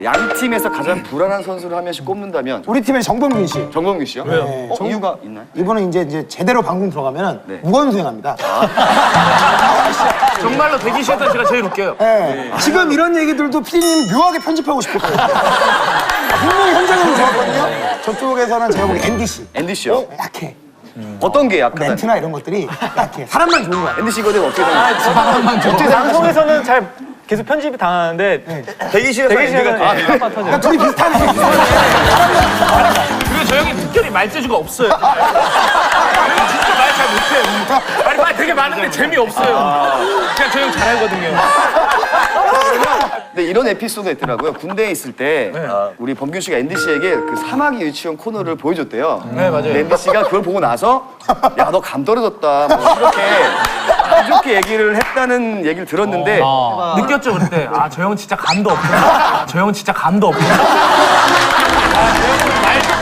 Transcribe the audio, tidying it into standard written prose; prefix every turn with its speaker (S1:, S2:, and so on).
S1: 양 팀에서 가장 불안한 선수를 한 명씩 꼽는다면
S2: 우리 팀의 정범균 씨.
S1: 정범규 씨요?
S2: 왜요?
S1: 이유가 있나요?
S2: 이분은 이제 제대로 방송 들어가면
S1: 네.
S2: 무건수행합니다.
S3: 정말로 대기실에서 제가 제일 웃겨요.
S2: 네. 지금 이런 얘기들도 피디님 묘하게 편집하고 싶을 거예요. 분명히 현장에는 좋았거든요. 저쪽에서는 제가 보기 앤디 씨.
S1: 앤디 씨요?
S2: 약해.
S1: 어떤 게 약하다?
S2: 멘트나 이런 것들이 약해. 사람만 좋은 거야.
S1: 앤디 씨거든 어떻게 되는
S4: 방송에서는 잘 계속 편집이 당하는데 대기실에서는 깜빡 터져요.
S2: 둘이 비슷하네.
S3: 그리고 저 형이 특별히 말재주가 없어요. 진짜 말 잘 못해요. 아니 말 되게 많은데 재미없어요. 그냥 저 형 잘하거든요.
S1: 근데 이런 에피소드가 있더라고요. 군대에 있을 때 우리 범균 씨가 앤디 씨에게 그 사마귀 유치원 코너를 보여줬대요.
S3: 네, 맞아요.
S1: 근데 앤디 씨가 그걸 보고 나서 야, 너 감 떨어졌다. 뭐 이렇게 얘기를 했다는 얘기를 들었는데
S3: 느꼈죠 그때. 아 저 형 진짜 감도 없구나. 저 형 진짜 감도 없구나. 저 형은 말